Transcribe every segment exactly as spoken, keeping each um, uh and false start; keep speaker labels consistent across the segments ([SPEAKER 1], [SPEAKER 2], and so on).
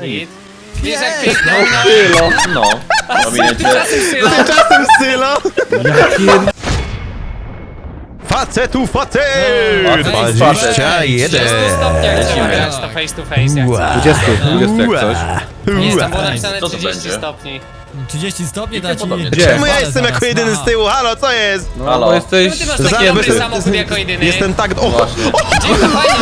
[SPEAKER 1] Git. Wiesz jak pięknie
[SPEAKER 2] Sylo, no.
[SPEAKER 1] Tymczasem Sylo.
[SPEAKER 3] Tymczasem Sylo!
[SPEAKER 2] Jakie...
[SPEAKER 3] Facetu facet!
[SPEAKER 2] Facet.
[SPEAKER 1] W
[SPEAKER 3] jeden.
[SPEAKER 1] stopniach trzeba
[SPEAKER 2] Lecimy.
[SPEAKER 1] grać to face to face jak
[SPEAKER 3] Ua.
[SPEAKER 1] chcesz.
[SPEAKER 2] dwadzieścia, dwadzieścia jak coś.
[SPEAKER 1] Nie, tam było napisane
[SPEAKER 4] Co to
[SPEAKER 1] trzydzieści
[SPEAKER 4] będzie?
[SPEAKER 1] stopni.
[SPEAKER 5] trzydzieści stopni da ci...
[SPEAKER 4] podobnie.
[SPEAKER 2] Gdzie?
[SPEAKER 3] Czemu ja jestem jako jedyny z tyłu? Halo, co jest?
[SPEAKER 2] No,
[SPEAKER 4] Halo.
[SPEAKER 2] bo jesteś...
[SPEAKER 1] Czemu ty masz
[SPEAKER 3] Za-
[SPEAKER 1] taki dobry
[SPEAKER 3] jestem-
[SPEAKER 1] samochód jako jedyny?
[SPEAKER 3] Jestem tak... O,
[SPEAKER 4] Właśnie.
[SPEAKER 1] Dzień to fajnie,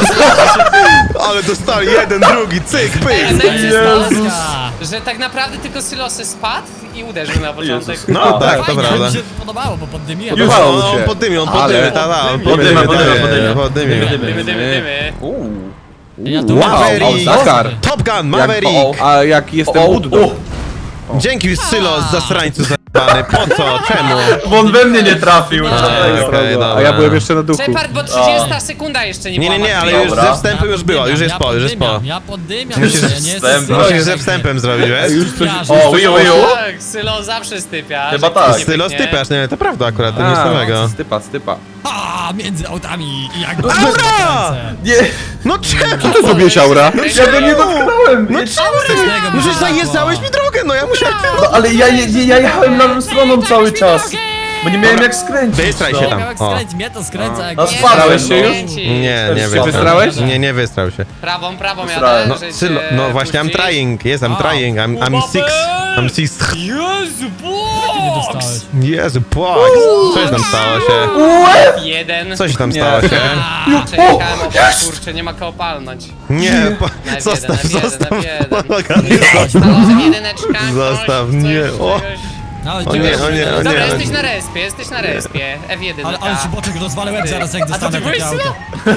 [SPEAKER 3] ale dostali jeden, drugi, cyk, pyk!
[SPEAKER 1] najlepszy
[SPEAKER 5] Jezus.
[SPEAKER 1] stos, że tak naprawdę tylko Sylosy spadł i uderzył na początek.
[SPEAKER 4] Jezus.
[SPEAKER 3] No
[SPEAKER 4] A,
[SPEAKER 3] tak, to
[SPEAKER 5] Fajnie,
[SPEAKER 3] prawda.
[SPEAKER 5] mi się podobało, bo poddymiłem.
[SPEAKER 3] Już,
[SPEAKER 2] Podobało
[SPEAKER 3] no,
[SPEAKER 2] mu się.
[SPEAKER 3] on poddymił, on
[SPEAKER 2] Ale-
[SPEAKER 3] poddymił, ta, ta, on
[SPEAKER 4] Poddyma,
[SPEAKER 3] poddymił,
[SPEAKER 4] poddyma, poddyma.
[SPEAKER 3] poddymił.
[SPEAKER 1] Dymy, dymy, dymy.
[SPEAKER 4] Uuu.
[SPEAKER 5] Ja tu
[SPEAKER 3] Wow,
[SPEAKER 5] mam-
[SPEAKER 2] Dakar.
[SPEAKER 3] Top Gun,
[SPEAKER 2] Jak,
[SPEAKER 3] Maverick!
[SPEAKER 2] a jak jestem
[SPEAKER 4] O, o,
[SPEAKER 2] Buddą.
[SPEAKER 4] o.
[SPEAKER 3] Dzięki Sylo z zasrańcu zajebany, po co, czemu?
[SPEAKER 4] Bo on we mnie nie trafił.
[SPEAKER 1] Nie.
[SPEAKER 4] dlatego.
[SPEAKER 3] Okej, dobra.
[SPEAKER 2] A ja byłem jeszcze na duchu.
[SPEAKER 1] Shepard, bo trzydziesta sekunda jeszcze nie
[SPEAKER 3] Nie,
[SPEAKER 1] była
[SPEAKER 3] nie, nie, ale
[SPEAKER 1] martwa.
[SPEAKER 3] już
[SPEAKER 4] Dobra.
[SPEAKER 3] ze wstępu już było, już jest
[SPEAKER 5] ja
[SPEAKER 3] po, już jest po.
[SPEAKER 5] poddymiam, Ja poddymiam,
[SPEAKER 3] Musisz
[SPEAKER 5] ja nie jestem
[SPEAKER 4] wstęp.
[SPEAKER 5] Sylo,
[SPEAKER 3] Musisz
[SPEAKER 5] jak
[SPEAKER 3] ze
[SPEAKER 5] tak
[SPEAKER 3] wstępem zrobiłeś.
[SPEAKER 2] Już coś...
[SPEAKER 4] O, uju, uju.
[SPEAKER 1] Tak, Sylo zawsze stypia.
[SPEAKER 4] Chyba
[SPEAKER 1] że
[SPEAKER 4] tak.
[SPEAKER 1] nie
[SPEAKER 3] Sylo
[SPEAKER 1] pyknie.
[SPEAKER 3] stypiasz, nie, to prawda akurat, to nic
[SPEAKER 2] A,
[SPEAKER 3] nowego.
[SPEAKER 2] stypa, stypa.
[SPEAKER 5] A, między autami i jak...
[SPEAKER 3] Aura!
[SPEAKER 4] Nie,
[SPEAKER 3] No czemu?
[SPEAKER 2] Co ty zrobiłeś, Aura?
[SPEAKER 4] ja go nie dotknąłem.
[SPEAKER 3] No czemu? No przecież zajeżdżałeś mi drogę, no ja musiałem...
[SPEAKER 4] No, ale ja, ja, ja jechałem lewą stroną cały czas. Bo nie miałem jak skręcić.
[SPEAKER 3] Wystraj się
[SPEAKER 4] no.
[SPEAKER 3] tam.
[SPEAKER 5] Jak
[SPEAKER 3] O.
[SPEAKER 5] skręć, mnie to skręca jak...
[SPEAKER 4] A
[SPEAKER 1] Nie,
[SPEAKER 4] spadłeś
[SPEAKER 1] to
[SPEAKER 4] się już?
[SPEAKER 1] kręci.
[SPEAKER 3] Nie, nie
[SPEAKER 4] Się
[SPEAKER 3] wystrał.
[SPEAKER 2] wystrałeś?
[SPEAKER 3] Nie, nie wystrał się.
[SPEAKER 1] Prawą, prawą
[SPEAKER 4] Wysrałem.
[SPEAKER 1] jadę,
[SPEAKER 3] No,
[SPEAKER 1] że
[SPEAKER 3] Sylo,
[SPEAKER 1] cię
[SPEAKER 3] no właśnie, I'm
[SPEAKER 1] puścić.
[SPEAKER 3] trying, yes, I'm
[SPEAKER 5] A.
[SPEAKER 3] trying, I'm, I'm six, I'm six.
[SPEAKER 1] Jezu,
[SPEAKER 5] Nie
[SPEAKER 1] box!
[SPEAKER 5] dostałeś.
[SPEAKER 3] Jezu, płak, co się tam stało się?
[SPEAKER 1] Jeden.
[SPEAKER 3] Co się tam
[SPEAKER 2] Nie.
[SPEAKER 3] stało się?
[SPEAKER 1] Czekałem, o kurczę, nie ma koło palnąć.
[SPEAKER 3] Nie, po,
[SPEAKER 1] Na F
[SPEAKER 3] zostaw,
[SPEAKER 1] jeden, na F jeden,
[SPEAKER 3] zostaw.
[SPEAKER 1] na F jeden.
[SPEAKER 3] Zostaw.
[SPEAKER 1] Staloza jedyneczka.
[SPEAKER 3] Zostaw,
[SPEAKER 1] coś,
[SPEAKER 3] nie,
[SPEAKER 1] coś,
[SPEAKER 3] o.
[SPEAKER 1] czegoś.
[SPEAKER 5] No,
[SPEAKER 3] O nie, o nie, o
[SPEAKER 1] Dobra,
[SPEAKER 3] nie.
[SPEAKER 1] jesteś na respie, jesteś na respie. F jeden.
[SPEAKER 5] Ale, ale ci boczek rozwalę łeb zaraz jak
[SPEAKER 1] A to
[SPEAKER 5] dostanę
[SPEAKER 1] ty byłeś
[SPEAKER 5] takie
[SPEAKER 1] Sylo?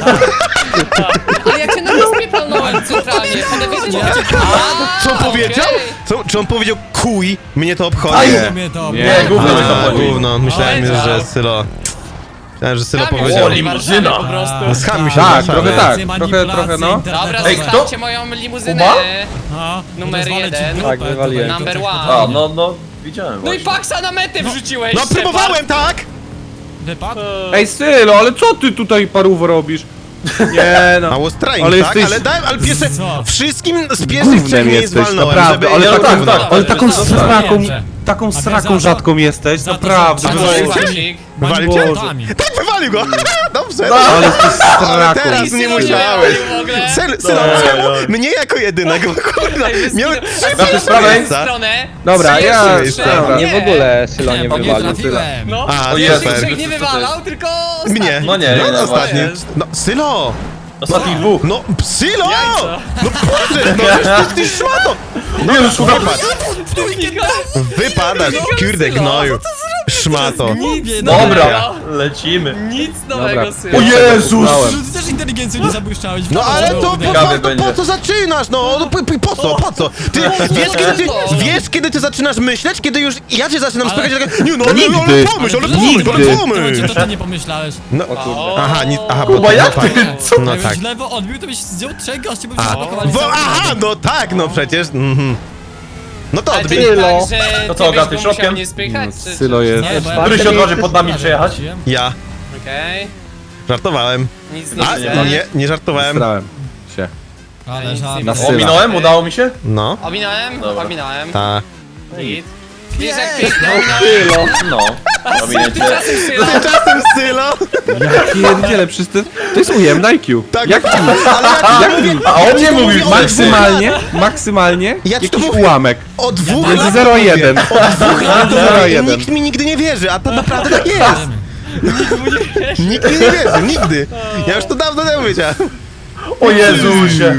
[SPEAKER 5] auto.
[SPEAKER 1] Ale ja cię na respie palnąłem centralnie. Pod F jeden.
[SPEAKER 3] Co on powiedział? Co, czy on powiedział kuj? Mnie to obchodzi.
[SPEAKER 5] Aj, mnie to...
[SPEAKER 2] Nie,
[SPEAKER 4] gówno mi to
[SPEAKER 3] A,
[SPEAKER 4] chodzi.
[SPEAKER 3] gówno, myślałem,
[SPEAKER 1] Powiedział.
[SPEAKER 3] że Sylo... Myślałem, że Sylo
[SPEAKER 1] Kamień
[SPEAKER 3] powiedział...
[SPEAKER 4] O,
[SPEAKER 1] w
[SPEAKER 4] limuzyna.
[SPEAKER 1] Warszawie po prostu.
[SPEAKER 3] Scham mi się
[SPEAKER 2] Tak,
[SPEAKER 3] Warszawy.
[SPEAKER 2] trochę tak.
[SPEAKER 5] Manipulacje,
[SPEAKER 2] Trochę, trochę, no.
[SPEAKER 1] Dobra,
[SPEAKER 5] internetowe.
[SPEAKER 4] Ej, kto?
[SPEAKER 1] zostawcie moją limuzynę.
[SPEAKER 4] Kuba?
[SPEAKER 5] No,
[SPEAKER 1] Numer
[SPEAKER 5] rozwalę ci
[SPEAKER 1] jeden.
[SPEAKER 5] dupę,
[SPEAKER 2] Tak,
[SPEAKER 5] to
[SPEAKER 2] wywaliłem.
[SPEAKER 5] będzie
[SPEAKER 1] Number
[SPEAKER 5] to tak
[SPEAKER 1] one.
[SPEAKER 4] A,
[SPEAKER 5] fajnie.
[SPEAKER 4] no, no, widziałem
[SPEAKER 1] No i
[SPEAKER 4] właśnie.
[SPEAKER 1] Paxa na metę wrzuciłeś.
[SPEAKER 3] No
[SPEAKER 1] Shepard.
[SPEAKER 3] próbowałem, tak?
[SPEAKER 5] Wypadł?
[SPEAKER 2] Ej, Sylo, ale co ty tutaj paruwo robisz? Nie no.
[SPEAKER 3] A was trying,
[SPEAKER 2] Ale
[SPEAKER 3] tak?
[SPEAKER 2] jesteś-
[SPEAKER 3] Ale dałem, ale pierwsze...
[SPEAKER 5] Co?
[SPEAKER 3] Wszystkim z pierwszych
[SPEAKER 2] Gównem
[SPEAKER 3] trzech miejsc
[SPEAKER 2] jesteś,
[SPEAKER 3] walnąłem,
[SPEAKER 2] naprawdę,
[SPEAKER 3] żeby...
[SPEAKER 2] ale
[SPEAKER 4] no
[SPEAKER 2] taką,
[SPEAKER 4] tak, tak,
[SPEAKER 2] ale taką
[SPEAKER 1] tak,
[SPEAKER 2] sraką,
[SPEAKER 5] tak.
[SPEAKER 2] taką
[SPEAKER 5] A wiesz,
[SPEAKER 2] sraką
[SPEAKER 5] za-
[SPEAKER 2] rzadką jesteś,
[SPEAKER 5] za to,
[SPEAKER 2] naprawdę.
[SPEAKER 5] że-
[SPEAKER 1] A
[SPEAKER 3] Wywalił
[SPEAKER 1] to
[SPEAKER 3] cię?
[SPEAKER 1] Wywalił.
[SPEAKER 3] Wywalił cię? Tak, wywalił go! Dobrze,
[SPEAKER 2] No, ale ty
[SPEAKER 3] ale
[SPEAKER 2] sraką.
[SPEAKER 3] teraz nie musiałeś.
[SPEAKER 1] w ogóle.
[SPEAKER 3] Sylo, Sylo, czemu? Mnie jako jedynego, kurwa, miałem trzy
[SPEAKER 4] Na tę sprawę?
[SPEAKER 3] miejsca.
[SPEAKER 1] Stronę.
[SPEAKER 2] Dobra,
[SPEAKER 1] Trzy
[SPEAKER 2] ja-
[SPEAKER 1] jeszcze,
[SPEAKER 2] dobra.
[SPEAKER 6] Nie w ogóle Sylo nie
[SPEAKER 5] bo nie
[SPEAKER 6] wywalił.
[SPEAKER 5] trafiłem.
[SPEAKER 1] No,
[SPEAKER 3] A,
[SPEAKER 1] o
[SPEAKER 3] super.
[SPEAKER 1] Jezu, nie wywalał, tylko ostatni.
[SPEAKER 3] Mnie.
[SPEAKER 4] No nie,
[SPEAKER 3] no,
[SPEAKER 4] no
[SPEAKER 3] ostatni.
[SPEAKER 4] właśnie.
[SPEAKER 3] No, Sylo!
[SPEAKER 4] Ostatnich dwóch.
[SPEAKER 3] No, Sylo!
[SPEAKER 1] Jajco.
[SPEAKER 3] No Boże, no ty, ty szmato! No już wypad. Wypadasz, kurde gnoju. Szmato.
[SPEAKER 1] Nic
[SPEAKER 4] Dobra,
[SPEAKER 1] nowego.
[SPEAKER 4] lecimy.
[SPEAKER 1] Nic nowego,
[SPEAKER 2] Dobra.
[SPEAKER 1] Sylo.
[SPEAKER 4] O Jezus!
[SPEAKER 5] Ty też inteligencją nie zabłyszczałeś.
[SPEAKER 3] No ale to po,
[SPEAKER 4] Ciekawe
[SPEAKER 3] po, to
[SPEAKER 4] będzie.
[SPEAKER 3] po co zaczynasz, no? No po, po, po co, po co? Ty wiesz kiedy ty, wiesz kiedy ty zaczynasz myśleć? Kiedy już ja cię zaczynam
[SPEAKER 5] Ale-
[SPEAKER 3] spychać, tak, nie no, ale, ale
[SPEAKER 2] Nigdy.
[SPEAKER 3] pomyśl, ale pomyśl,
[SPEAKER 2] Nigdy.
[SPEAKER 3] ale pomyśl.
[SPEAKER 5] To ty nie pomyślałeś.
[SPEAKER 3] No,
[SPEAKER 1] O.
[SPEAKER 3] aha, nic, aha,
[SPEAKER 4] Kuba,
[SPEAKER 3] bo,
[SPEAKER 4] jak
[SPEAKER 3] no,
[SPEAKER 4] ty?
[SPEAKER 3] tak.
[SPEAKER 4] Co?
[SPEAKER 3] No
[SPEAKER 5] Jakbyś
[SPEAKER 3] tak.
[SPEAKER 5] lewo odbił, to byś zdjął trzech gości, by
[SPEAKER 3] A,
[SPEAKER 5] zablokowali
[SPEAKER 3] bo,
[SPEAKER 5] cały
[SPEAKER 3] aha,
[SPEAKER 5] drogę.
[SPEAKER 3] no tak, no przecież. Mhm. No to
[SPEAKER 1] Ale to
[SPEAKER 3] odbij.
[SPEAKER 1] jest
[SPEAKER 6] Sylo.
[SPEAKER 1] tak, że
[SPEAKER 4] To
[SPEAKER 1] ty
[SPEAKER 4] co,
[SPEAKER 1] byś
[SPEAKER 4] Gaty,
[SPEAKER 1] go
[SPEAKER 4] środkiem?
[SPEAKER 1] musiał nie spychać, czy...
[SPEAKER 2] Sylo jest.
[SPEAKER 5] Nie, bo ja-
[SPEAKER 4] Który się odważy pod nami przejechać?
[SPEAKER 3] Ja.
[SPEAKER 1] Okej.
[SPEAKER 3] Żartowałem.
[SPEAKER 1] Nic nie
[SPEAKER 3] A,
[SPEAKER 1] widzę.
[SPEAKER 3] nie, nie żartowałem.
[SPEAKER 2] Strałem się.
[SPEAKER 5] Ale żart.
[SPEAKER 2] Na
[SPEAKER 4] O,
[SPEAKER 2] Syla.
[SPEAKER 4] minąłem? Udało mi się?
[SPEAKER 3] No,
[SPEAKER 1] Ominąłem?
[SPEAKER 4] Dobra.
[SPEAKER 1] Ominąłem.
[SPEAKER 3] ta.
[SPEAKER 1] Git. Wiesz jak pięknie ominąłem.
[SPEAKER 6] Sylo.
[SPEAKER 4] No. Ominęcie.
[SPEAKER 1] Tymczasem Sylo.
[SPEAKER 3] Tymczasem Sylo.
[SPEAKER 2] Ja pierdzielę, przecież to, to jest ujemny I Q.
[SPEAKER 3] Tak,
[SPEAKER 2] Jak
[SPEAKER 3] ale ja ci mówię,
[SPEAKER 4] A on nie mówił
[SPEAKER 3] mówię,
[SPEAKER 4] wcześniej.
[SPEAKER 2] maksymalnie, maksymalnie
[SPEAKER 3] Ja ci to
[SPEAKER 2] jakiś
[SPEAKER 3] mówię.
[SPEAKER 2] ułamek.
[SPEAKER 3] o dwóch
[SPEAKER 2] Między
[SPEAKER 3] latach
[SPEAKER 2] zero a
[SPEAKER 3] mówię.
[SPEAKER 2] jeden.
[SPEAKER 3] O dwóch latach
[SPEAKER 2] zero a
[SPEAKER 3] mówię i
[SPEAKER 2] jeden.
[SPEAKER 3] nikt mi nigdy nie wierzy, a to naprawdę tak jest. Nikt mi nie wierzy, nigdy. Ja już to dawno temu wiedziałem.
[SPEAKER 4] O Jezusie.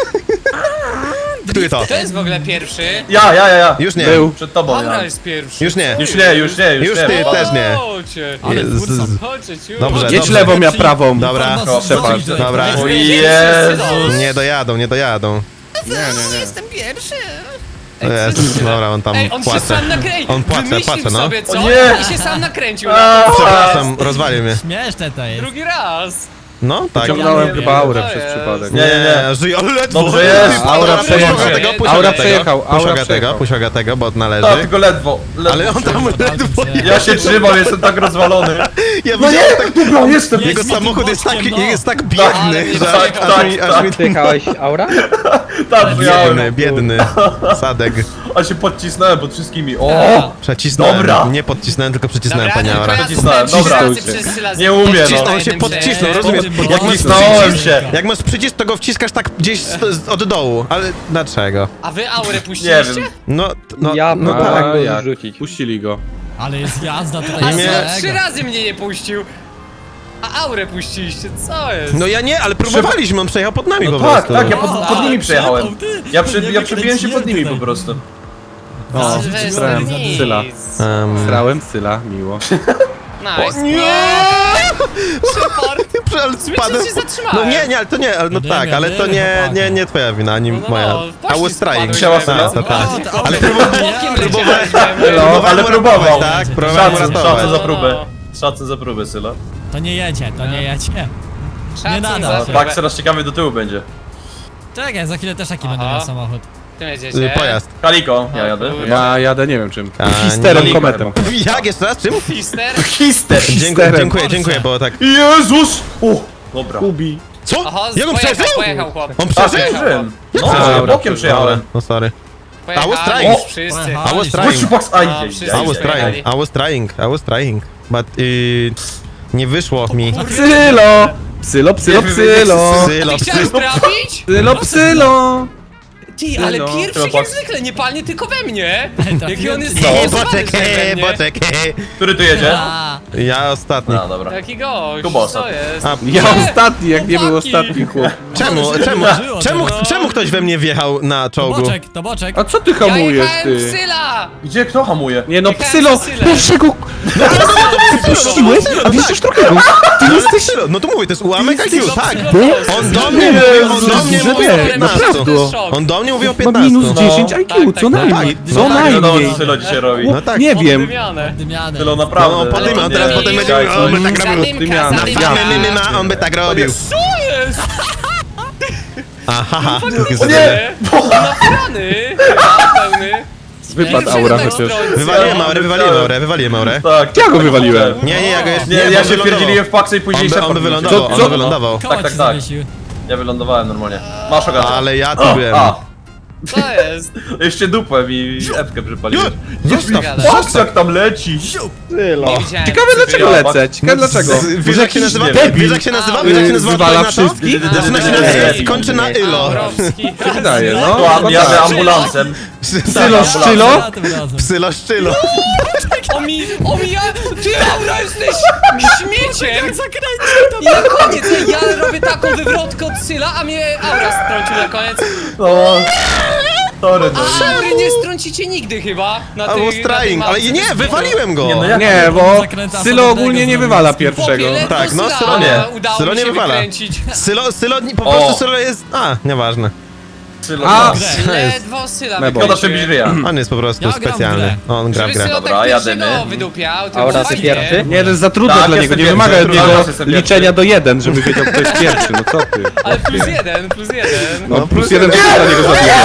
[SPEAKER 3] Który to?
[SPEAKER 1] To jest w ogóle pierwszy.
[SPEAKER 4] Ja, ja, ja, ja.
[SPEAKER 3] Już nie.
[SPEAKER 2] Był.
[SPEAKER 4] Przed tobą,
[SPEAKER 1] Dobra,
[SPEAKER 4] ja.
[SPEAKER 1] jest pierwszy.
[SPEAKER 3] Już nie.
[SPEAKER 4] Już nie, już nie, już,
[SPEAKER 3] Już
[SPEAKER 4] nie.
[SPEAKER 3] ty
[SPEAKER 4] bo-
[SPEAKER 3] też nie.
[SPEAKER 1] Chodźcie.
[SPEAKER 5] Ale
[SPEAKER 3] Jezus.
[SPEAKER 5] twórcą.
[SPEAKER 1] Chodźcie, ciu.
[SPEAKER 3] Dobrze,
[SPEAKER 2] Jedź
[SPEAKER 3] dobrze.
[SPEAKER 2] lewą, ja prawą.
[SPEAKER 3] Dobra,
[SPEAKER 2] Shepard.
[SPEAKER 3] Dobra.
[SPEAKER 4] O
[SPEAKER 1] Jezus.
[SPEAKER 4] Jezus.
[SPEAKER 3] Nie dojadą, nie dojadą.
[SPEAKER 2] Nie, nie, nie.
[SPEAKER 5] Jestem pierwszy.
[SPEAKER 3] Jezus, dobra, on tam
[SPEAKER 1] Ej, on się
[SPEAKER 3] płacze.
[SPEAKER 1] sam nakręcił.
[SPEAKER 3] On płacze,
[SPEAKER 1] Wymyślił
[SPEAKER 3] płacze, no.
[SPEAKER 1] sobie, co?
[SPEAKER 4] O nie.
[SPEAKER 1] I się sam nakręcił.
[SPEAKER 4] A,
[SPEAKER 3] Przepraszam, rozwalił mnie.
[SPEAKER 5] Śmieszne to jest.
[SPEAKER 1] Drugi raz.
[SPEAKER 3] No, tak.
[SPEAKER 2] Ciągnąłem
[SPEAKER 1] nie
[SPEAKER 2] chyba
[SPEAKER 1] wiem,
[SPEAKER 2] aurę
[SPEAKER 1] to
[SPEAKER 2] przez
[SPEAKER 1] jest.
[SPEAKER 2] przypadek.
[SPEAKER 3] Nie, nie, żyj, ale ledwo.
[SPEAKER 4] Dobrze jest.
[SPEAKER 3] Ty,
[SPEAKER 2] Aura
[SPEAKER 3] puść
[SPEAKER 2] przejechał.
[SPEAKER 3] tego, puść
[SPEAKER 2] Aura
[SPEAKER 3] tego.
[SPEAKER 2] przejechał,
[SPEAKER 3] Puść
[SPEAKER 2] aura
[SPEAKER 3] tego,
[SPEAKER 2] przejechał.
[SPEAKER 3] puść tego, bo
[SPEAKER 4] Tak,
[SPEAKER 3] należy.
[SPEAKER 4] tylko ledwo. ledwo
[SPEAKER 3] Ale on tam ledwo...
[SPEAKER 4] Ja się trzymam, jestem tak rozwalony.
[SPEAKER 3] Ja
[SPEAKER 4] No
[SPEAKER 3] widziałem,
[SPEAKER 4] nie, dobra, jestem.
[SPEAKER 3] jego
[SPEAKER 5] Jedź mi tym
[SPEAKER 3] samochód jest tak,
[SPEAKER 5] boczkiem, no.
[SPEAKER 3] jest tak
[SPEAKER 1] Ale
[SPEAKER 3] biedny,
[SPEAKER 1] mnie
[SPEAKER 3] że
[SPEAKER 1] tak,
[SPEAKER 3] aż, aż mi... Aż mi
[SPEAKER 6] Jechałeś aura?
[SPEAKER 4] Tak,
[SPEAKER 3] biedny,
[SPEAKER 4] przyjałem.
[SPEAKER 3] biedny. Sadek.
[SPEAKER 4] A się podcisnąłem pod wszystkimi. O!
[SPEAKER 3] Przecisnąłem.
[SPEAKER 4] Dobra.
[SPEAKER 3] Nie podcisnąłem, tylko przecisnąłem,
[SPEAKER 1] Dobra,
[SPEAKER 3] panie
[SPEAKER 1] tylko
[SPEAKER 3] Aura.
[SPEAKER 1] ja
[SPEAKER 4] Podcisnąłem,
[SPEAKER 1] zostałem
[SPEAKER 4] dobra.
[SPEAKER 1] trzy razy przez Syla
[SPEAKER 4] Nie umiem, no.
[SPEAKER 1] podcisnął
[SPEAKER 3] On się
[SPEAKER 1] jednym
[SPEAKER 3] podcisnął,
[SPEAKER 1] przez-
[SPEAKER 3] rozumiesz?
[SPEAKER 5] Potem
[SPEAKER 3] Jak masz
[SPEAKER 4] Podcisnąłem
[SPEAKER 3] przycisk,
[SPEAKER 4] się.
[SPEAKER 3] jak masz przycisk, to go wciskasz tak gdzieś z- od dołu, ale dlaczego?
[SPEAKER 1] A wy aurę
[SPEAKER 4] Nie
[SPEAKER 1] puściliście?
[SPEAKER 4] wiem.
[SPEAKER 3] No, no,
[SPEAKER 6] Ja
[SPEAKER 3] no
[SPEAKER 6] próbowałem
[SPEAKER 3] tak.
[SPEAKER 6] go
[SPEAKER 2] jak?
[SPEAKER 6] zrzucić.
[SPEAKER 2] Puścili go.
[SPEAKER 5] Ale jest jazda
[SPEAKER 1] A
[SPEAKER 5] tutaj.
[SPEAKER 3] Nie.
[SPEAKER 1] Sylo
[SPEAKER 5] jest
[SPEAKER 1] trzy
[SPEAKER 5] mega.
[SPEAKER 1] razy mnie nie puścił. A aurę puściliście, co jest?
[SPEAKER 3] No ja nie, ale próbowaliśmy, on przejechał pod nami
[SPEAKER 4] No
[SPEAKER 3] po
[SPEAKER 4] tak,
[SPEAKER 3] prostu.
[SPEAKER 4] tak, ja pod,
[SPEAKER 5] O,
[SPEAKER 4] pod
[SPEAKER 5] ale
[SPEAKER 4] nimi przejechałem.
[SPEAKER 5] przepał, ty.
[SPEAKER 4] Ja, przy,
[SPEAKER 5] Nie
[SPEAKER 4] ja przebiłem się pod nimi po
[SPEAKER 5] tutaj.
[SPEAKER 4] prostu.
[SPEAKER 2] O,
[SPEAKER 1] Sylwester,
[SPEAKER 2] srałem
[SPEAKER 1] nic.
[SPEAKER 2] Syla.
[SPEAKER 3] Um,
[SPEAKER 2] Srałem Syla, miło.
[SPEAKER 1] Nice.
[SPEAKER 3] nie!
[SPEAKER 1] Support.
[SPEAKER 3] Ale spadłem.
[SPEAKER 1] się zatrzymałem.
[SPEAKER 3] No nie, nie, ale to nie, ale no
[SPEAKER 5] Jadymy,
[SPEAKER 3] tak, ale to
[SPEAKER 5] jadymy,
[SPEAKER 3] nie,
[SPEAKER 5] chłopaki.
[SPEAKER 3] nie, nie twoja wina, ani
[SPEAKER 1] No, no,
[SPEAKER 3] moja.
[SPEAKER 1] no,
[SPEAKER 3] I
[SPEAKER 1] poszli
[SPEAKER 3] was trying.
[SPEAKER 1] spadłeś.
[SPEAKER 4] Chciała
[SPEAKER 3] Tak,
[SPEAKER 4] Syla?
[SPEAKER 3] to tak.
[SPEAKER 5] O, to
[SPEAKER 3] Ale
[SPEAKER 5] auto.
[SPEAKER 1] Bokiem leciałeś we mnie.
[SPEAKER 4] No, ale próbował.
[SPEAKER 3] Tak, próbowałem
[SPEAKER 4] Szacun,
[SPEAKER 3] uratować.
[SPEAKER 4] szacun za próbę.
[SPEAKER 1] No.
[SPEAKER 4] Szacun za próbę, Syla.
[SPEAKER 5] To nie jedzie, to nie jedzie.
[SPEAKER 1] Szacun
[SPEAKER 5] nada.
[SPEAKER 1] za
[SPEAKER 4] Tak, teraz ciekawy do tyłu będzie.
[SPEAKER 5] Czekaj, za chwilę też taki będę
[SPEAKER 1] Aha.
[SPEAKER 5] miał samochód.
[SPEAKER 1] Tym
[SPEAKER 3] Y,
[SPEAKER 1] jedziecie.
[SPEAKER 3] Pojazd.
[SPEAKER 4] Kaliko, ja jadę.
[SPEAKER 2] Ja jadę nie wiem czym.
[SPEAKER 3] A,
[SPEAKER 2] Histerem,
[SPEAKER 3] nie-
[SPEAKER 2] kometem.
[SPEAKER 3] Jak jeszcze raz? Czym?
[SPEAKER 1] Fister.
[SPEAKER 4] Hister!
[SPEAKER 3] Dziękuję,
[SPEAKER 2] Histerem.
[SPEAKER 3] dziękuję, dziękuję, bo tak.
[SPEAKER 4] Jezus! O, dobra.
[SPEAKER 2] Kubi.
[SPEAKER 3] Co?
[SPEAKER 1] Oho,
[SPEAKER 3] Jak on
[SPEAKER 1] pojechał,
[SPEAKER 3] przeżył?
[SPEAKER 1] pojechał chłop.
[SPEAKER 3] On
[SPEAKER 4] A,
[SPEAKER 3] przeżył?
[SPEAKER 4] przeżyłem. No,
[SPEAKER 2] Dobra,
[SPEAKER 4] bokiem przejechałem.
[SPEAKER 3] No sorry.
[SPEAKER 1] Pojechali
[SPEAKER 3] I was trying.
[SPEAKER 1] już wszyscy.
[SPEAKER 5] Pojechali.
[SPEAKER 3] I was
[SPEAKER 5] Chodź,
[SPEAKER 3] trying.
[SPEAKER 4] Chodź, Pax, aj,
[SPEAKER 1] No,
[SPEAKER 4] aj,
[SPEAKER 1] wszyscy
[SPEAKER 3] I was
[SPEAKER 1] pojechali.
[SPEAKER 3] trying, I was trying, I was trying. But y, nie wyszło mi.
[SPEAKER 2] Psylo! Psylo, psylo,
[SPEAKER 4] Nie,
[SPEAKER 2] psylo!
[SPEAKER 3] Sylo,
[SPEAKER 1] Ty chciałeś trafić?
[SPEAKER 2] Psylo, psylo!
[SPEAKER 1] Ty, ale
[SPEAKER 2] No.
[SPEAKER 1] pierwszy jak
[SPEAKER 4] Chłopak.
[SPEAKER 1] zwykle, nie palnie tylko we mnie.
[SPEAKER 5] trafiłem
[SPEAKER 1] Jaki on jest
[SPEAKER 5] cię.
[SPEAKER 3] Nie,
[SPEAKER 1] zaawansowany,
[SPEAKER 3] boczek,
[SPEAKER 1] że we
[SPEAKER 3] he,
[SPEAKER 1] mnie.
[SPEAKER 3] boczek, he.
[SPEAKER 4] Który tu jedzie?
[SPEAKER 5] A,
[SPEAKER 3] Ja ostatni.
[SPEAKER 4] A, dobra.
[SPEAKER 1] Jaki gość,
[SPEAKER 4] Kuba
[SPEAKER 1] co jest?
[SPEAKER 3] A,
[SPEAKER 2] Ja ostatni, jak nie był
[SPEAKER 1] Chłopaki.
[SPEAKER 2] ostatni chłop.
[SPEAKER 3] Czemu, czemu,
[SPEAKER 5] Żyło
[SPEAKER 3] czemu,
[SPEAKER 1] teraz.
[SPEAKER 3] czemu ktoś we mnie wjechał na
[SPEAKER 5] to
[SPEAKER 3] czołgu?
[SPEAKER 5] boczek, to boczek.
[SPEAKER 2] A co ty
[SPEAKER 1] Ja
[SPEAKER 2] hamujesz,
[SPEAKER 1] jechałem w
[SPEAKER 2] ty?
[SPEAKER 1] Syla!
[SPEAKER 4] Gdzie, kto hamuje?
[SPEAKER 2] Nie no,
[SPEAKER 1] Jechałem
[SPEAKER 2] psylo!
[SPEAKER 1] za Sylem.
[SPEAKER 2] Pierwszego puściłeś, a wiesz drugiego? Ty
[SPEAKER 3] No,
[SPEAKER 2] jesteś...
[SPEAKER 3] Sylo, no to mówię, to jest ułamek I Q,
[SPEAKER 1] Sylo,
[SPEAKER 3] tak.
[SPEAKER 1] Sylo,
[SPEAKER 2] Bo-
[SPEAKER 3] On do mnie
[SPEAKER 2] Nie,
[SPEAKER 3] mówił, on do
[SPEAKER 2] Jezus,
[SPEAKER 3] mnie
[SPEAKER 2] że
[SPEAKER 3] mówił
[SPEAKER 2] nie,
[SPEAKER 3] o piętnaście.
[SPEAKER 2] naprawdę.
[SPEAKER 3] On do mnie mówił o
[SPEAKER 2] Ma minus
[SPEAKER 3] piętnaście.
[SPEAKER 2] dziesięć I Q,
[SPEAKER 1] tak,
[SPEAKER 2] co
[SPEAKER 1] tak,
[SPEAKER 2] najmniej,
[SPEAKER 3] tak.
[SPEAKER 2] co
[SPEAKER 3] No tak,
[SPEAKER 4] Wiadomo,
[SPEAKER 2] najmniej.
[SPEAKER 4] co Sylo dzisiaj robi.
[SPEAKER 3] No tak.
[SPEAKER 2] Nie wiem.
[SPEAKER 1] Oddymiane.
[SPEAKER 5] Dymiany.
[SPEAKER 4] Sylo
[SPEAKER 3] No,
[SPEAKER 4] naprawdę.
[SPEAKER 3] on podyma, on
[SPEAKER 1] Ale
[SPEAKER 3] teraz
[SPEAKER 1] nie,
[SPEAKER 3] potem będzie
[SPEAKER 4] tak,
[SPEAKER 3] mówił, on by tak robił.
[SPEAKER 1] Zadymka,
[SPEAKER 2] Dymiana,
[SPEAKER 1] zadymka.
[SPEAKER 3] Famy, my, my, ma, on by tak robił.
[SPEAKER 1] Co jest?
[SPEAKER 3] Aha,
[SPEAKER 1] O nie! Naprany! Chyba pełny.
[SPEAKER 2] Wypadł
[SPEAKER 1] Pierwszy
[SPEAKER 2] aura
[SPEAKER 1] tak
[SPEAKER 2] chociaż.
[SPEAKER 1] strącił.
[SPEAKER 3] Wywaliłem aurę, wywaliłem aurę, wywaliłem aurę.
[SPEAKER 4] Tak.
[SPEAKER 2] Ja go wywaliłem.
[SPEAKER 3] Nie, nie, ja go jeszcze
[SPEAKER 4] Nie,
[SPEAKER 3] bo
[SPEAKER 4] ja
[SPEAKER 3] on
[SPEAKER 4] się
[SPEAKER 3] wylądował.
[SPEAKER 4] wpierdzieliłem w paksę i
[SPEAKER 3] On
[SPEAKER 4] później
[SPEAKER 3] by, on by
[SPEAKER 4] Shepard
[SPEAKER 3] wylądował,
[SPEAKER 2] Co-
[SPEAKER 3] on
[SPEAKER 2] co?
[SPEAKER 3] by wylądował.
[SPEAKER 5] Koło
[SPEAKER 4] tak,
[SPEAKER 5] ci
[SPEAKER 4] tak.
[SPEAKER 5] zawiesił.
[SPEAKER 4] Ja wylądowałem normalnie. Masz ogatę.
[SPEAKER 3] Ale ja tu byłem.
[SPEAKER 4] A,
[SPEAKER 1] Co jest?
[SPEAKER 4] jeszcze dupę mi epkę przypaliłeś.
[SPEAKER 3] Zostaw.
[SPEAKER 1] Gadasz?
[SPEAKER 4] Patrz jak tam leci!
[SPEAKER 1] Nie widziałem.
[SPEAKER 2] Ciekawe dlaczego
[SPEAKER 4] Ja,
[SPEAKER 2] lecę, ciekawe dlaczego.
[SPEAKER 3] Wiesz jak się nazywa?
[SPEAKER 4] nie wiem.
[SPEAKER 3] Wiesz jak się nazywa? Wiesz jak się nazywa?
[SPEAKER 2] Zwala
[SPEAKER 3] odpowiedź na to?
[SPEAKER 2] wszystkich?
[SPEAKER 3] Zaczyna się
[SPEAKER 4] Nie.
[SPEAKER 3] na skończy na ilo.
[SPEAKER 1] Aurowski.
[SPEAKER 2] Wydaje, no.
[SPEAKER 4] Kłam,
[SPEAKER 2] no
[SPEAKER 4] jadę
[SPEAKER 2] tak.
[SPEAKER 4] ambulansem.
[SPEAKER 2] Psylo, szczylo?
[SPEAKER 5] Za tym razem.
[SPEAKER 3] Psylo szczylo.
[SPEAKER 1] O mi, o mi, ja, ty Aura jesteś śmieciem!
[SPEAKER 5] Zakręcił to.
[SPEAKER 1] I na koniec ja robię taką wywrotkę od Syla, a mnie Aura strącił na koniec.
[SPEAKER 4] No. Sorry, no.
[SPEAKER 1] A Aury nie strącicie nigdy chyba na
[SPEAKER 3] I
[SPEAKER 1] tych,
[SPEAKER 3] was
[SPEAKER 1] na tej
[SPEAKER 3] trying, ale
[SPEAKER 1] mapce
[SPEAKER 3] nie,
[SPEAKER 1] bez
[SPEAKER 3] wywaliłem go.
[SPEAKER 4] Nie, no jak-
[SPEAKER 2] Nie, bo
[SPEAKER 5] Zakręta
[SPEAKER 2] Sylo
[SPEAKER 5] samotnego
[SPEAKER 2] ogólnie nie
[SPEAKER 5] zrobił.
[SPEAKER 2] wywala
[SPEAKER 1] Chłopie,
[SPEAKER 2] pierwszego.
[SPEAKER 1] ledwo
[SPEAKER 3] Tak, no,
[SPEAKER 1] Syla
[SPEAKER 3] Sylo
[SPEAKER 4] nie.
[SPEAKER 1] udało
[SPEAKER 3] Sylo
[SPEAKER 1] mi
[SPEAKER 3] nie
[SPEAKER 1] się
[SPEAKER 3] wywala.
[SPEAKER 1] wykręcić.
[SPEAKER 3] Sylo, Sylo, po
[SPEAKER 4] O.
[SPEAKER 3] prostu Sylo jest... A, nieważne.
[SPEAKER 4] Sylo,
[SPEAKER 2] A,
[SPEAKER 4] no.
[SPEAKER 1] Ledwo Syla
[SPEAKER 2] Mebo.
[SPEAKER 4] Szkoda, że
[SPEAKER 1] wykręciłem.
[SPEAKER 4] żyje.
[SPEAKER 3] On jest po prostu
[SPEAKER 5] Ja gram w
[SPEAKER 3] specjalny.
[SPEAKER 5] grę.
[SPEAKER 3] On gra w
[SPEAKER 1] Żeby
[SPEAKER 3] grę.
[SPEAKER 1] Sylo
[SPEAKER 4] Dobra,
[SPEAKER 1] tak
[SPEAKER 4] jadymy.
[SPEAKER 1] pierwszego wydupiał, to
[SPEAKER 6] Aura,
[SPEAKER 1] było
[SPEAKER 6] ty
[SPEAKER 1] fajnie.
[SPEAKER 6] pierwszy?
[SPEAKER 2] Nie, to jest za trudne
[SPEAKER 4] Tak,
[SPEAKER 2] dla
[SPEAKER 4] jestem
[SPEAKER 2] niego, nie
[SPEAKER 4] pierwszy,
[SPEAKER 2] wymaga od
[SPEAKER 4] trudno,
[SPEAKER 2] niego
[SPEAKER 4] jestem
[SPEAKER 2] liczenia
[SPEAKER 4] pierwszy.
[SPEAKER 2] do jeden, żeby wiedział kto jest pierwszy, no co ty.
[SPEAKER 1] Ale plus jeden, plus jeden.
[SPEAKER 2] No plus jeden to dla niego zabija.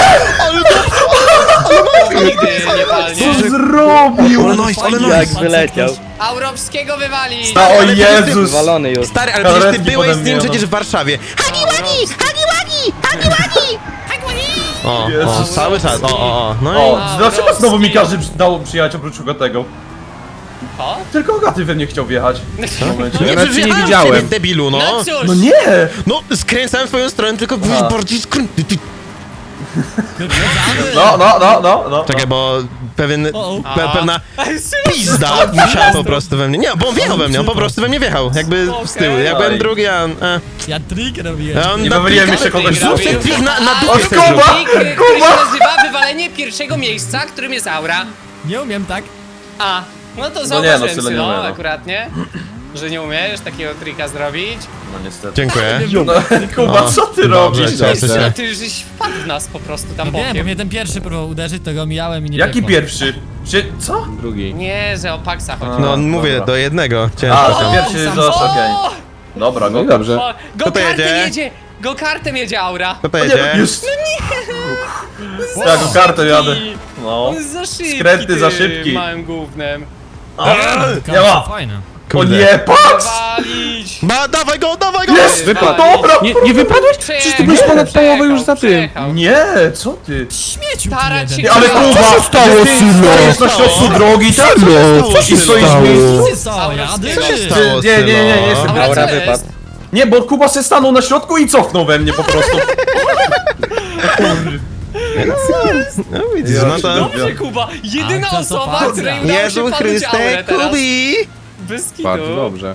[SPEAKER 1] Nigdy nie palnie.
[SPEAKER 4] zrobił?
[SPEAKER 3] Ale nice, ale
[SPEAKER 6] Jak
[SPEAKER 3] nice.
[SPEAKER 6] wyleciał.
[SPEAKER 1] Aurowskiego wywali.
[SPEAKER 4] A, o Jezus!
[SPEAKER 6] Zwalony już.
[SPEAKER 3] Stary, ale przecież ty
[SPEAKER 4] Karetki
[SPEAKER 3] byłeś z nim
[SPEAKER 4] pode mnie,
[SPEAKER 3] przecież w Warszawie. Hagi Wagi! Hagi Wagi! Hagi Wagi! O, o,
[SPEAKER 4] Jezus.
[SPEAKER 3] cały czas. O, o, o. No i...
[SPEAKER 4] O, dlaczego znowu mi każdy przy- dał przyjechać oprócz Ogatego?
[SPEAKER 1] O?
[SPEAKER 4] Tylko Ogaty we mnie chciał wjechać. W momencie.
[SPEAKER 2] Ja nawet cię nie
[SPEAKER 3] wjechałem w
[SPEAKER 2] widziałem.
[SPEAKER 3] ciebie, debilu, no.
[SPEAKER 1] No cóż.
[SPEAKER 4] No nie!
[SPEAKER 3] No, skręcałem w twoją stronę, tylko byłeś
[SPEAKER 4] Aha.
[SPEAKER 3] bardziej skrętny. Ty-
[SPEAKER 5] Wyprzedzamy.
[SPEAKER 4] No, no, no, no, no.
[SPEAKER 3] Czekaj, bo pewien,
[SPEAKER 5] O,
[SPEAKER 3] pe, pewna
[SPEAKER 1] Sylo,
[SPEAKER 3] pizda musiała po prostu we mnie. Nie, bo on wjechał we mnie, on po prostu we mnie wjechał. Jakby z tyłu. Ja byłem drugi, a on... E,
[SPEAKER 5] Ja trik robiłem.
[SPEAKER 3] a on
[SPEAKER 4] Nie
[SPEAKER 3] na
[SPEAKER 4] wywaliłem
[SPEAKER 3] trika-
[SPEAKER 4] jeszcze kogoś z
[SPEAKER 1] Zrób
[SPEAKER 4] dupy.
[SPEAKER 1] ten
[SPEAKER 3] trik na, na
[SPEAKER 1] A,
[SPEAKER 3] dupie
[SPEAKER 4] O,
[SPEAKER 3] chcę
[SPEAKER 4] Kuba!
[SPEAKER 3] zrobić.
[SPEAKER 1] trik, który się nazywa wywalenie pierwszego miejsca, którym jest Aura.
[SPEAKER 5] Nie umiem tak.
[SPEAKER 1] A, no to
[SPEAKER 4] nie,
[SPEAKER 1] zauważyłem
[SPEAKER 4] no,
[SPEAKER 1] no,
[SPEAKER 4] Sylo nie umie, no.
[SPEAKER 1] akurat, nie? Że nie umiesz takiego trika zrobić.
[SPEAKER 4] No niestety.
[SPEAKER 3] Dziękuję.
[SPEAKER 4] No, Kuba, co ty
[SPEAKER 3] Dobrze,
[SPEAKER 4] robisz?
[SPEAKER 3] cieszę
[SPEAKER 1] Sylo,
[SPEAKER 3] się.
[SPEAKER 1] ty żeś wpadł w nas po prostu tam
[SPEAKER 5] No wiem, bo
[SPEAKER 1] bokiem.
[SPEAKER 5] mnie ten pierwszy próbował uderzyć, to go mijałem i nie
[SPEAKER 4] Jaki
[SPEAKER 5] wyszło.
[SPEAKER 4] pierwszy? Czy, co?
[SPEAKER 2] Drugi.
[SPEAKER 1] Nie, że o Paxa chodzi.
[SPEAKER 3] No
[SPEAKER 4] A,
[SPEAKER 3] mówię,
[SPEAKER 4] dobra.
[SPEAKER 3] do jednego.
[SPEAKER 4] A,
[SPEAKER 3] Ciężko
[SPEAKER 4] to
[SPEAKER 3] tam.
[SPEAKER 4] pierwszy
[SPEAKER 5] sam-
[SPEAKER 4] został, okej.
[SPEAKER 1] O!
[SPEAKER 4] Dobra,
[SPEAKER 2] No
[SPEAKER 4] go
[SPEAKER 2] i dobrze.
[SPEAKER 1] O,
[SPEAKER 3] Kto to
[SPEAKER 1] Go-kartem
[SPEAKER 3] jedzie?
[SPEAKER 1] jedzie! Go-kartem jedzie Aura!
[SPEAKER 3] Kto to
[SPEAKER 4] Nie,
[SPEAKER 3] jedzie?
[SPEAKER 4] już. Ja go kartę jadę. No.
[SPEAKER 1] On jest za szybki,
[SPEAKER 4] Skręty
[SPEAKER 1] ty,
[SPEAKER 4] za szybki.
[SPEAKER 1] małym gównem.
[SPEAKER 4] Nie ma.
[SPEAKER 5] Fajne.
[SPEAKER 4] O
[SPEAKER 3] Kurde.
[SPEAKER 4] nie, patrz!
[SPEAKER 1] Walić!
[SPEAKER 3] Ma, dawaj go, dawaj go!
[SPEAKER 4] Jest!
[SPEAKER 2] Wypadł.
[SPEAKER 4] Dobra!
[SPEAKER 2] Nie, nie wypadłeś? Przecież ty byłeś ponad połowę już za tym.
[SPEAKER 4] Nie, co ty?
[SPEAKER 5] Śmieciu ty
[SPEAKER 1] Starać
[SPEAKER 5] jeden.
[SPEAKER 1] się-
[SPEAKER 4] Ale
[SPEAKER 1] Co
[SPEAKER 4] Kuba!
[SPEAKER 2] się stało,
[SPEAKER 4] Ty
[SPEAKER 2] Sylo?
[SPEAKER 4] stoisz na środku drogi, tak?
[SPEAKER 3] Sylo, co się
[SPEAKER 4] I stoisz
[SPEAKER 3] stało?
[SPEAKER 4] w miejscu?
[SPEAKER 5] Ty co, jady?
[SPEAKER 1] Co się
[SPEAKER 3] stało?
[SPEAKER 4] Nie, nie, nie, nie, nie jestem
[SPEAKER 1] Aura,
[SPEAKER 4] Aura.
[SPEAKER 1] co jest?
[SPEAKER 4] Nie, bo Kuba se stanął na środku i cofnął we mnie po prostu.
[SPEAKER 3] No widzisz, no to...
[SPEAKER 1] Dobrze, Kuba! Jedyna
[SPEAKER 5] A, to
[SPEAKER 1] osoba,
[SPEAKER 5] fakt.
[SPEAKER 1] której udało się
[SPEAKER 3] Jezu
[SPEAKER 1] padać Aurę
[SPEAKER 3] Chryste,
[SPEAKER 1] teraz.
[SPEAKER 3] Kubi!
[SPEAKER 1] Bez kitu.
[SPEAKER 2] Bardzo dobrze.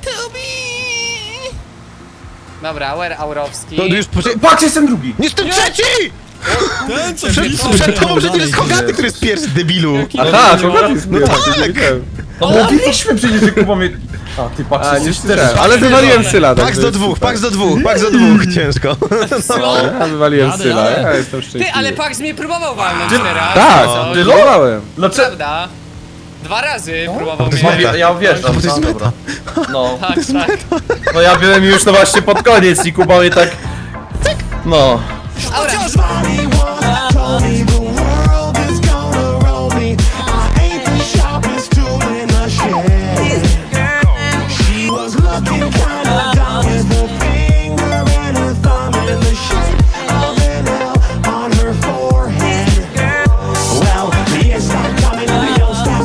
[SPEAKER 1] Dobra, Auer Aurowski.
[SPEAKER 3] To już poczekaj...
[SPEAKER 4] Patrz, jestem drugi!
[SPEAKER 3] Jestem trzeci!
[SPEAKER 5] Ten co
[SPEAKER 3] Przed,
[SPEAKER 5] blisko
[SPEAKER 3] przed tobą
[SPEAKER 5] dalej
[SPEAKER 3] przecież jest
[SPEAKER 5] idzie.
[SPEAKER 3] Hogaty, który jest pierwszy, debilu!
[SPEAKER 2] Aha, to chodzi z
[SPEAKER 3] No tak!
[SPEAKER 4] No mówiliśmy przecież, że Kuba mnie... A, ty patrz,
[SPEAKER 2] A, nie
[SPEAKER 4] jesteś
[SPEAKER 2] cztery.
[SPEAKER 4] też.
[SPEAKER 2] Ale wywaliłem Syla.
[SPEAKER 3] Paks
[SPEAKER 2] także
[SPEAKER 3] do
[SPEAKER 2] jest
[SPEAKER 3] dwóch,
[SPEAKER 2] super.
[SPEAKER 3] paks do dwóch, paks do dwóch, ciężko.
[SPEAKER 1] Co?
[SPEAKER 2] Ja wywaliłem
[SPEAKER 5] Jadę,
[SPEAKER 2] Syla,
[SPEAKER 5] jadę.
[SPEAKER 2] ja jestem szczęśliwy.
[SPEAKER 1] Ty, ale Pax mnie próbował walnąć teraz.
[SPEAKER 2] Tak,
[SPEAKER 1] Co?
[SPEAKER 4] Ty-
[SPEAKER 2] próbowałem.
[SPEAKER 4] Dlaczego?
[SPEAKER 1] Prawda? Dwa razy próbował
[SPEAKER 3] to
[SPEAKER 1] mnie.
[SPEAKER 3] jest
[SPEAKER 4] Ja,
[SPEAKER 3] meta.
[SPEAKER 4] ja wjeżdżam,
[SPEAKER 3] Bo to jest
[SPEAKER 4] no,
[SPEAKER 3] meta.
[SPEAKER 4] dobra. No,
[SPEAKER 1] Tak, tak.
[SPEAKER 4] no ja byłem już no właśnie pod koniec i Kuba mnie tak... No.
[SPEAKER 1] Aura.
[SPEAKER 6] Just mommy